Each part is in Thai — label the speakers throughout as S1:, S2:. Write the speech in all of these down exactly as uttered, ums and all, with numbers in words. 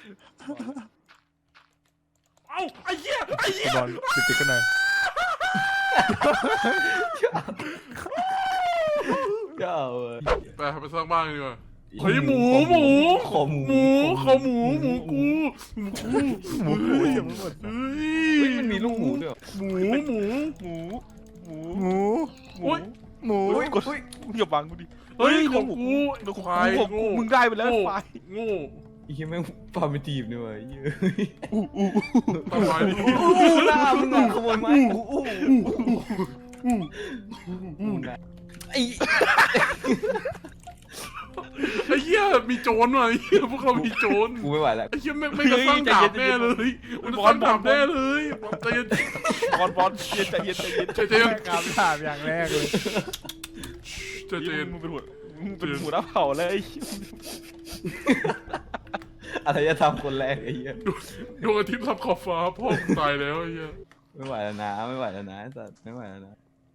S1: เอ้าไอ้เหี้ยไอ้เหี้ย
S2: บอลติดๆกันหน่อย
S3: ก็เอา
S1: ไปไปสร้างบ้านดีกว่าเฮ้ยหมูหมู
S3: ขอหมู
S1: หมูขอหมูหมูกูหมูกู
S2: หมูกูยังไม่หมด
S1: เฮ้
S3: เฮ้ย
S1: ย
S3: มันมีลูกหมูด้วย
S1: หมูหมู
S2: หมูหมู
S1: หมู
S2: หมูหมู
S3: เฮ้ย
S2: กดอย่าบังกูดิ
S1: เฮ้ยของกูควาย
S2: ของกูมึงได้ไปแล้วไฟ
S1: โง่
S3: ไอ้เหี้ยแม่งฟาร์มทีมด้วยเหี้ย
S2: อู้อู้
S1: ตายดิ
S3: อู้หน้ามึงอะขโมยไม้อู้อู้อู้นะไอ้
S1: ไอ้เหี้ยมีโจรว่ะไอ้เหี้ยพวกเรามีโจร
S3: กูไม่ไหวแล้ว
S1: ไอ้เหี้ยไม่ไม่กระสร้างดาบแน่เลยมันจะสร้างดาบแน่เลยใจเย็น
S2: บอลบอลเย็นใจเย็นใจเย็น
S1: ใจเย็น
S2: กามถามอย่างแรกเลย
S1: ใจเย็น
S2: มึงเป็นหัวมึงเป็นหัวหน้าเผ่าเลย
S3: อะไรจะทำคนแรกไอ้เหี้ย
S1: ดวงอาทิตย์ทับขอบฟ้าพ่อตายแล้วไอ้เหี้ย
S3: ไม่ไหวแล้วนะไม่ไหวแล้วนะสัตว์ไม่ไหวแล้วนะ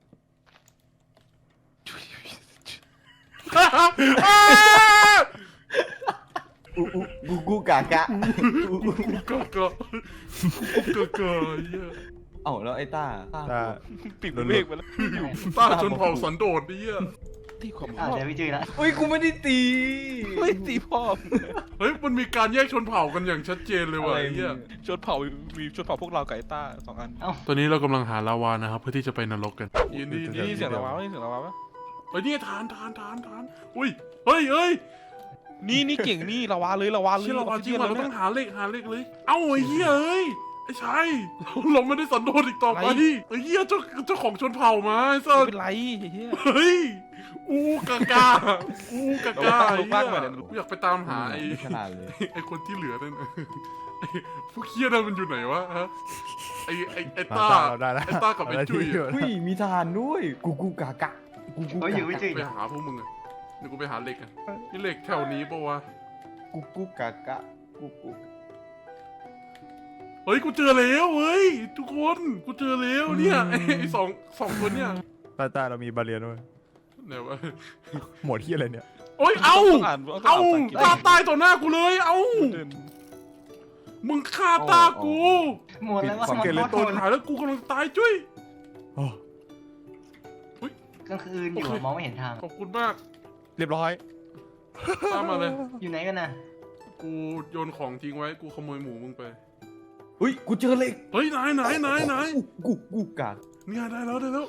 S3: อู้อู้กูกูกากะอู้อู้
S1: กะกะกะกะไอ้เหี้ย
S3: เอ้าแล้วไอ้ต้าต้า
S2: ตาปิดเมฆไปแล้ว
S1: ต้าชนเผ่าสันโดษไอ้เหี้ย
S2: ตีของ
S4: อ่า
S2: พ่อ
S4: เดี๋ยวพี่จื้อละ
S3: อุ้ยกูไม่ได้ตี
S2: ไม่ตีพ่อ
S1: เฮ้ยมันมีการแยกชนเผ่ากันอย่างชัดเจนเลยว่ะไอ้เหี้ย
S2: ชนเผ่ามีชนเผ่าพวกเราไก่ต้าสองอัน
S1: ตอนนี้เรากำลังหาลาวานะครับเพื่อที่จะไปนรกกันยินดี
S2: นี่เสียงระว้านี่เสียงระว้าปะ
S1: เฮ้ยนี่ทานทานทานทานอุ้ยเฮ้ยเฮ้ย
S2: นี่นี่เก่งนี่ระว้าเลยระว้าเลย
S1: เชื่อเราว่าจริง
S2: เล
S1: ว่ะ
S2: ย
S1: เราต้องหาเลขหาเลขเลย เอ้าไอ้เหี้ยเอ้ยไอ้ชัยเราไม่ได้สันโดษอีกต่อไปไอ้เหี้ยเจ้าเจ้าของชนเผ่ามาไอ้สั
S2: ไม่
S1: ส
S2: เป็นไรเฮีย
S1: เฮ้ยอูกากาอูกากา
S2: ลงล่างลงล่าง
S1: ไอ้
S2: มาเนี่ย
S1: เหี้ยกูอยากไปตามหาไอ้
S3: ไม่ขนาดเลย
S1: ไอ้คนที่เหลือนั่นน่ะไอ้พวกเคียนั่นมันอยู่ไหนวะฮะไอ้ไอ้ไอ้ต้า
S2: เราได้แล้ว
S1: ไอ้ต้ากับไอ้จุ้ยอะ
S3: อุ้ยมีทหารด้วยกูกูกากะกูกู
S4: เฮ้ยอยู่
S3: กา
S4: พี่
S3: กะ
S4: จื้อ
S1: ไปหาพวกมึงอะเดี๋ยวกูไปหาเหล็กอะนี่เหล็กแถวนี้ปะวะ
S3: กูกูกากะกูกู
S1: เฮ้ยกูเจอแล้วเฮ้ยทุกคนกูเจอแล้วเนี่ยไอ้ไอ้สองสองคนเนี่ย
S2: ตาตาเรามีบาเรียนด้วย
S1: ไหนวะ
S2: หมดที่อะไรเนี่ย
S1: โอ้ยเอา
S2: ต้องอ่านต้อง
S1: เอา
S2: อ่านภาษาอังกฤษ
S1: ตาตายต่อหน้ากูเลยเอา
S2: เดิน
S1: มึงฆ่าตากู
S4: หมดแล้วว่าหมด
S1: เก
S4: ห
S1: เร
S4: มด
S1: โตนหายแล้วกูกำลังตายจุ้ย
S2: โอ้
S4: กลางคืนอยู่มองไม่เห็นทาง
S1: ขอบคุณมาก
S2: เรียบร้อย
S1: ตามมาเลย
S4: อยู่ไหนกันน่ะ
S1: กูโยนของทิ้งไว้กูขโมยหมูมึงไป
S3: อุ้ยกูเจอเหล็ก
S1: เฮ้ยไหนไหนไหนไหน
S3: กูกูกาก
S1: เนี่ยได้แล้วได้แล้ว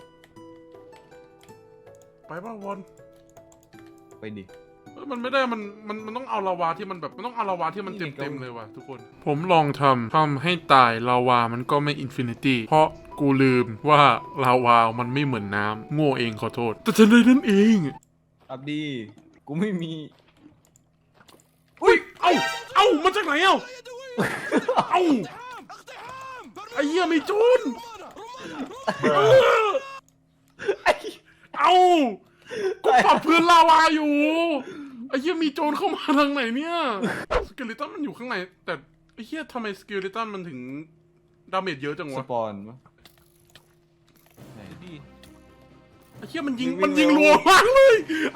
S1: ไปป่ะวอน
S3: ไปดิ
S1: เอ้ยมันไม่ได้มันมันมันต้องเอาลาวาที่มันแบบมันต้องเอาลาวาที่มันเต็มเต็มเลยว่ะทุกคน ผมลองทำทำให้ตายลาวามันก็ไม่อินฟินิตี้เพราะกูลืมว่าลาวามันไม่เหมือนน้ำโง่เองขอโทษ แต่ฉันเลยนั่นเอง
S3: อับดีกูไม่มี
S1: อุ้ยเอ้าเอ้ามาจากไหนเอ้าเอ้าไอ้เหี้ยมีโจรเออเอ้ากูปรับพื้นลาวาอยู่ไอ้เหี้ยมีโจรเข้ามาทางไหนเนี่ยสเกลิตันมันอยู่ข้างในแต่ไอ้เหี้ยทำไมสเกลิตันมันถึงดาเมจเยอะจัง
S3: ส
S1: วะ
S3: ปอนปะ
S2: ดี
S1: ไอ้เหี้ยมันยิง
S3: วิ่ง
S1: มันยิง
S3: เร็ว
S1: รัวมากเลย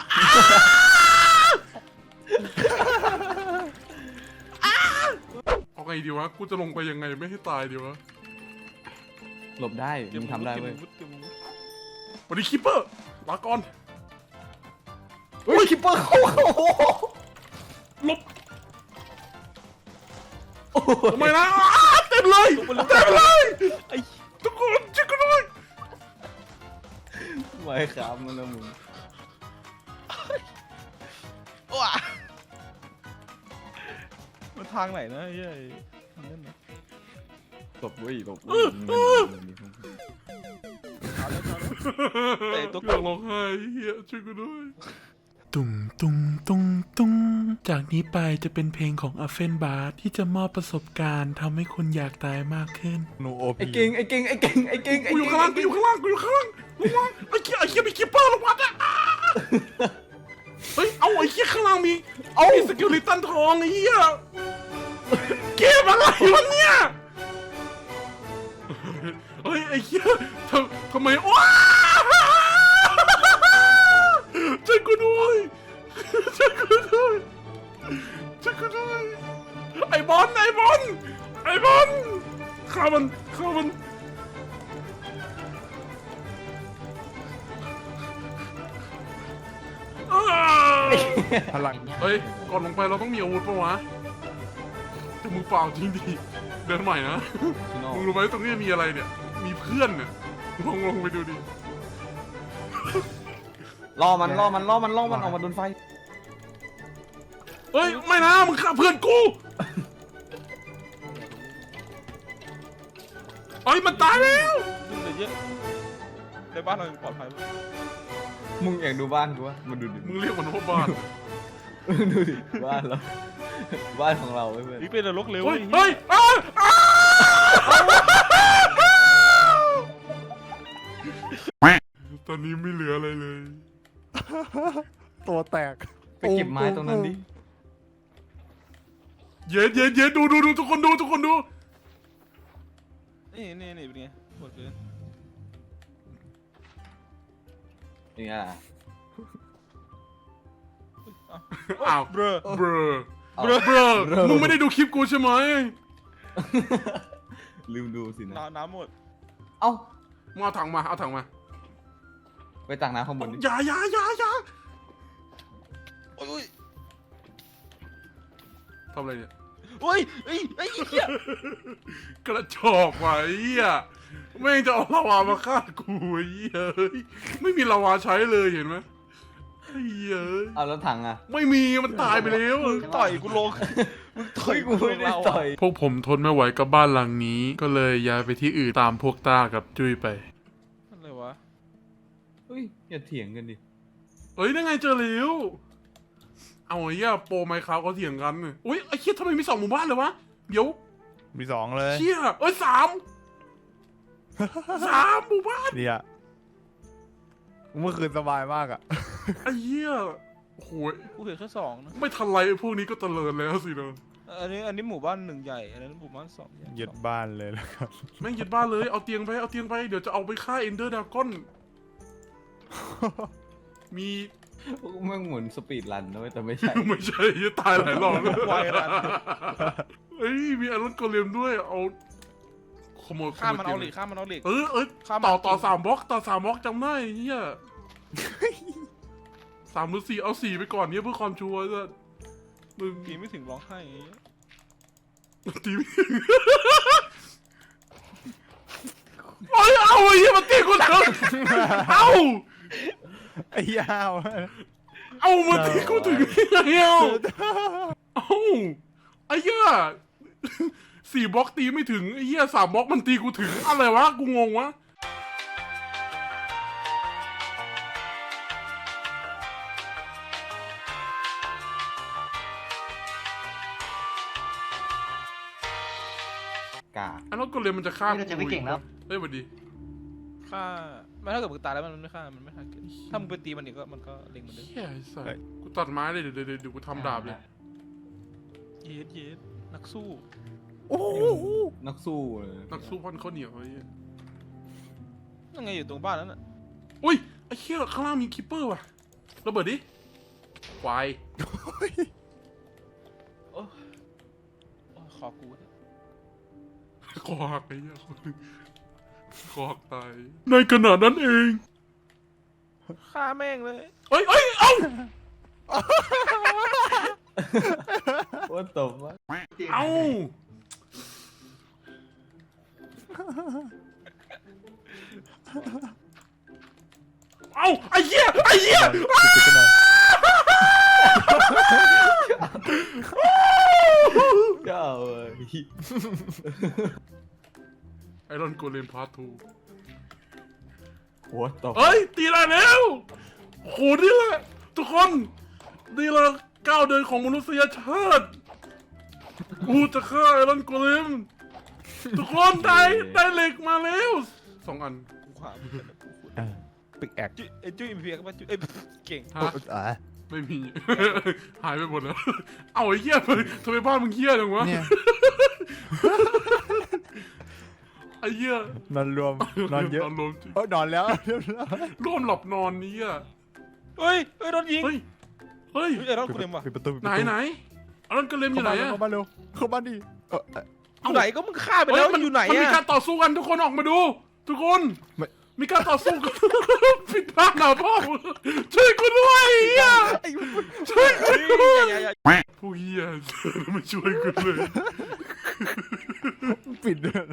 S1: เอาไงดีวะกูจะลงไปยังไงไม่ให้ตายดีวะ
S3: หลบได้มึงทำได้เว้ย
S1: สวัสดีคิปเปอร์ลาก่อน
S3: เฮ้ยคิปเปอร์เข้าเข้า
S1: หลบทำไมนะอ้าเต็มเลยเต็มเลยไอ้ทุกคนช่วยกันด้วย
S3: ไม่ครับมันละมึง
S2: ว้ามันทางไหนนะเฮ้ยนั่นนะ
S3: หลบเว้ยหลบ
S2: แต่ตัว
S1: อยากร้องไห้เฮียช่วยกันด้วยตุ้งตุ้งตุ้งตุ้งจากนี้ไปจะเป็นเพลงของอัฟเฟนบาร์ที่จะมอบประสบการณ์ทำให้คุณอยากตายมากขึ้น
S2: โนโอ
S3: ไอ้
S2: พี
S3: เก่งไอ้เก่งไอ้เก่งไอ้เก่ง
S1: กูอยู่ข้างล่างกูอยู่ข้างล่างกูอยู่ข้างล่างลงมาไอ้เคียไอ้เคียมีคิปเปอร์ลงมาอ่ะเฮ้ยเอาไอ้เคียข้างล่างมีเอาสกิลลิตันทองไอ้เหี้ยเกมอะไรวะเนี่ยเฮ้ยไอ้เคียทำทำไมว้าช่วยกูด้วยช่วยกูด้วยช่วยกูด้วยไอ้บอลไอ้บอลไอ้บอลฆ่ามันฆ่ามันอ้าว
S2: พลัง
S1: เฮ้ยก่อนลงไปเราต้องมีอาวุธปะวะจะมือเปล่าจริงดิเดินใหม่นะมึงรู้ไหมตรงนี้มีอะไรเนี่ยมีเพื่อนเนี่ยลองลงไปดูดิ
S3: ล่อมันล่อมันล่อมันล่อมันออกมาโดนไฟ
S1: เฮ้ยไม่นะมึงฆ่าเพื่อนกูเฮ้ยมันตายแล้ว
S2: ยุ่งเลยเยอะในบ้านเราปลอดภัย
S3: มึงอยากดูบ้านกูวะมาดูดิ
S1: มึงเรียกมันว่าบ้าน
S3: ดูดิบ้านเราบ้านของเราเว้ยเพื่อน
S2: นี่เป็นนรกเร็ว
S1: เฮ้ยเฮ้ยอ้าวอ้าวตอนนี้ไม่เหลืออะไรเลย
S2: ตัวแตก
S3: ไปเก็บไม้ตรงนั้นดิ
S1: เย็นเย็นเย็นดูดูดูทุกคนดูทุกคนดู
S2: นี่นี่นี่เป็นไงหมดเลย
S3: นี่อ่ะ
S1: อ้าว
S2: เบรอ
S1: เบรอเบรอเบรอมึงไม่ได้ดูคลิปกูใช่ไหม
S3: ลืมดูสินะ
S2: น้ำน้ำหมด
S3: เอ้า
S1: มึงเอาถังมาเอาถังมา
S3: ไปตักน้ำข้างบนดิ
S1: อย่าอย่าอย่าอย่า
S2: โอ้ย
S1: ทำอะไรเนี่ย
S2: โอ้ยไอ้ไอ้เหี้ย
S1: กระจอกว่ะไอ้เหี้ยแม่งจะเอาลาวามาฆ่ากูไอ้เหี้ยเฮ้ยไม่มีลาวาใช้เลยเห็นไหมไอ้เหี้ยเอ้ย
S3: เอาแล้วถังอ่ะ
S1: ไม่มีมันตายไปแล้ว
S2: มึงต่อยกูลงมึงต่อยกู
S3: ไม่ได้ต่อย
S1: พวกผมทนไม่ไหวกับบ้านหลังนี้ ก็เลยย้ายไปที่อื่นตามพวกต้ากับจุ้ยไป
S2: อะไรวะ
S3: เฮ้ยอย่าเถียงกันดิ
S1: เฮ้ยนั่นไงเจอแล้วเอาไอ้เหี้ยโปรไมค์คราวเขาเถียงกันอุ้ยไอ้เหี้ยทำไมมีสองหมู่บ้านเลยวะเดี๋ยว
S2: มีสองเลย
S1: เชี่ยเอ้ยสามสามหมู่บ้าน
S2: เนี่ยเมื่อคืนสบายมากอ่ะ
S1: ไอ้เหี้ยโอ้โห
S2: กูเห็นแค่สองนะ
S1: ไม่ทันไรไอ้พวกนี้ก็เตลิดแล้วสิเนอะ
S2: อันนี้อันนี้หมู่บ้านหนึ่งใหญ่อันนั้นหมู่บ้านสองใหญ่
S5: ยึดบ้านเลยแล้วครับ
S1: แม่งยึดบ้านเลยเอาเตียงไปเอาเตียงไปเดี๋ยวจะเอาไปฆ่าเอนเดอร์ดากอนมี
S3: แม่งเหมือนสปีดรันนะเว้ยแต่ไม่ใช่
S1: ไม่ใช่จะตายหลายรอบแล้ว
S2: ไวรัน
S1: เฮ้ยมีอารอนโกเลมด้วยเอาขโมย
S2: ข้ามมันเอา
S1: ขโย
S2: เหล็กข้ามมันเอาเหล็ก
S1: เออเออ
S2: ข้าม
S1: ต่อ
S2: มา
S1: ต่อสามบล็อกต่อสามบล็อกจำได้เฮียสามหรือสี่เอาสี่ไปก่อนเนี่ยเพื่อความชัวร์จะมึง
S2: ตีไม่ถึงร้องไห้อย่างเงี้ย
S1: ตีไม่ถึงโอ้ยเอาไอ้เหี้ยมาตีกูเถอะเอา
S5: ไอ้ยาว
S1: เอามาตีกูถึงยังไงเอาเอาไอ้เหี้ยสี่บล็อกตีไม่ถึงไอ้เหี้ยสามบล็อกมันตีกูถึงอะไรวะกูงงวะ
S3: กา
S1: อันนั้นก็เลยมันจะฆ่า
S4: นี่เราจะไม่เก่งแล้ว
S1: เฮ้ยสวัสดี
S2: ฆ่าไม่ถ้าเกิดมึงตายแล้วมันไม่ฆ่ามันไม่ฆ่าเกิดถ้ามึงไปตีมันอีกก็มันก็เล็งเหมือนเดิม
S1: เฮียไอ้สัสกูตัดไม้เลยเดี๋ยวเดี๋ยวเดี๋ยวกูทำดาบเลย
S2: เย็ดเย็ดนักสู้
S5: โอ้โห
S3: นักสู้เลย
S1: นักสู้พันข้าวเหนียวไอ้เหี้ย
S2: ยังไงอยู่ตรงบ้านนั้นน่ะ
S1: อุ้ยไอ้เหี้ยข้างล่างมีคิปเปอร์ว่ะระเบิดดิควาย
S2: โอ้โอ้ขอกูเนี่ย
S1: คอหักไอ้เหี้ยคอหักตายในขณะนั้นเอง
S2: ฆ่าแม่งเลย
S1: เอ้ยเอ้ยเอ้า
S3: ว่าตบวะ
S1: เอ้าเอ้าไอ้เหี้ยไอ้เหี้ย
S5: ติดกันหน่อย
S3: เจ้าเอ้ย
S1: ไอรอนโกเลมพาร์ททู
S3: หัวตบ
S1: เอ้ยตีได้แล้วโหนี่แหละทุกคนนี่แหละก้าวเดินของมนุษยชาติกูจะฆ่าไอรอนโกเลมทุกคนได้ได้เหล็กมาแล้วสองอัน
S2: กูขวามึงกันนะกูขุด
S5: ปิกแอก
S2: จุ้ยไอ้จุ้ยมีเพียงก็มาจุ้ยเอ้ยเก่ง
S1: ฮะ
S5: อ่ะ
S1: ไม่มี หายไปหมดแล้ว เอาไอ้เหี้ยทำไมบ้านมึงเหี้ยจังวะ
S5: เนี่ย
S1: ไอ้เหี้ย
S5: นอนรวมนอนเยอะ
S1: นอนรวมจริง
S5: เออนอนแล้วเรียบร้อย
S1: ร่วมหลับนอนนี้อ่ะ
S2: เฮ้ยเฮ้ยโดนยิง
S1: เฮ้ยเฮ้ย
S2: เฮ้ยไอ้รถกูเต็มว่ะ
S5: ปิดประตูปิด
S1: ไหน
S5: ประตู
S1: ไหนอันนั้นก็เลมอยู่ไหนอะ
S5: เข้ามาเร็วเข้ามาดิเออเออ
S2: อยู่ไหนก็มึงฆ่าไปแล้วมันอยู่ไหน
S1: มันมี
S2: อะ
S1: การต่อสู้กันทุกคนออกมาดู ทุกคน
S5: ไม่
S1: มีการต่อสู้กัน ผิดพลาดหนาพ่อช่วยกูด้วยเฮียช่วยกูด้วย
S2: อย่าอย่าอย่า
S1: ผู้เฮียไม่ช่วยกูเลย
S5: ปิดเลย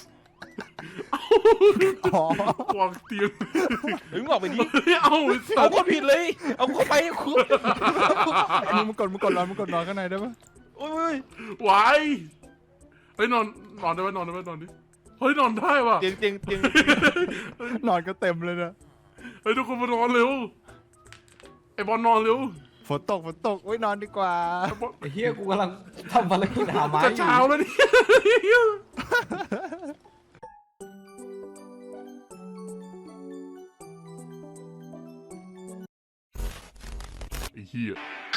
S5: อ๋อ
S1: วางเตียง
S2: เฮ้ยมึงออกไปดิ
S1: เอาไอ้สั
S2: เอา
S1: ตว์
S2: คนผิดเลย เอาเข้าไปคุ
S5: อันนี้มึงกดมึงกดนอนมึงกดนอนข้างในได้ปะ
S2: โอ้ย
S1: ไหวเฮ้ยนอนนอนได้ไหมนอนได้ไหมนอนดิเฮ้ยนอนได้ว่ะ
S2: เตียงเตียงเตียง
S5: นอนก็เต็มเลยนะ
S1: เฮ้ยทุกคนมานอนเร็วไอ้บอลนอนเร็ว
S5: ฝนตกฝนตกอุ้ยนอนดีกว่า
S1: ไอ้บอล
S3: ไอ้เฮียกูกำลังทำภารกิจหาไม้
S1: จะ
S3: อยู่
S1: เช้าแล้วเนี่ยไอ้เหี้ย